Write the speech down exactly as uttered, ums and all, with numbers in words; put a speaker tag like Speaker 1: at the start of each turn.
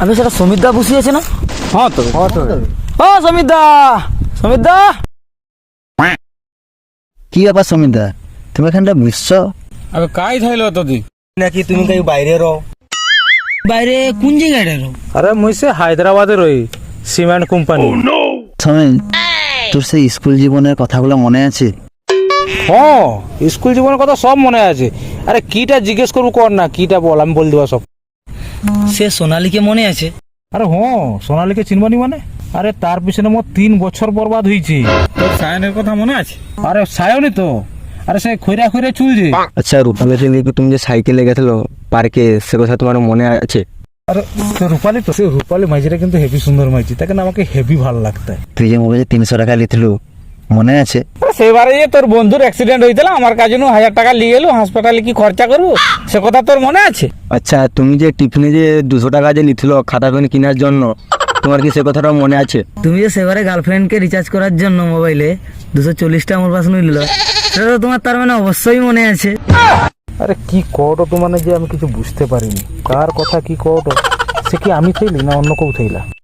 Speaker 1: আমি সেটা সমিতদা বসিয়েছে না?
Speaker 2: হ্যাঁ তো
Speaker 1: ও সমিতদা, সমিতদা
Speaker 3: কি ব্যাপার সমিতদা, তুমি এখানটা বুঝছো?
Speaker 2: আবে কাই থাইলো তোদি
Speaker 4: নাকি তুমি কাই বাইরে রও?
Speaker 1: বাইরে কোন জায়গায় রো?
Speaker 2: আরে মুই সে হায়দ্রাবাদে রই, সিমেন্ট কোম্পানি।
Speaker 3: সমিত, তোর সেই স্কুল জীবনের কথাগুলো মনে আছে?
Speaker 2: হ্যাঁ, স্কুল জীবনের কথা সব মনে আছে। আরে কিটা জিজ্ঞেস করবো কর না, কিটা বল, আমি বল দেবো সব।
Speaker 1: সে সোনালীকে মনে আছে?
Speaker 2: আরে হ্যাঁ, সোনালীকে চিনবানি মানে? আরে তার পিছনে মোট তিন বছর বরবাদ হয়েছে। তোর সায়নের কথা মনে আছে? আরে সায়নই তো, আরে সে খৈরা খৈরা চুল যে।
Speaker 4: আচ্ছা, রূপালীকে নিয়ে তুমি যে সাইকেলে গেছিলো পার্কে, সে কথা তোমার মনে আছে?
Speaker 2: আরে তো রূপালী তো, সে রূপালী মাইজিটা কিন্তু হেভি সুন্দর মাইজি, তাকে না আমাকে হেভি ভালো লাগতো।
Speaker 3: তুই যে মোবাইলে তিনশো টাকা লিখল, মনে আছে?
Speaker 2: সেবারে যে তোর বন্ধুর অ্যাক্সিডেন্ট হয়েছিল, আমার কাছে হাজার টাকা নিয়ে এলো, হাসপাতালে কি খরচা করবো, সে কথা তোর মনে আছে?
Speaker 4: আচ্ছা, তুমি যে টিফিনে যে দুশো টাকা যে নিছিল খাতা পেন কেনার জন্য, তোমার কি সে কথাটা মনে আছে?
Speaker 1: তুমি যে সেবারে গার্লফ্রেন্ডকে রিচার্জ করার জন্য মোবাইলে দুশো চল্লিশটা আমার পাশে নিল, সেটা তো তোমার তার মানে অবশ্যই মনে আছে।
Speaker 2: আরে কি কটো তো মানে যে আমি কিছু বুঝতে পারিনি, কার কথা কি কটো, সে কি আমি থাইলি না অন্য কেউ থাইলা?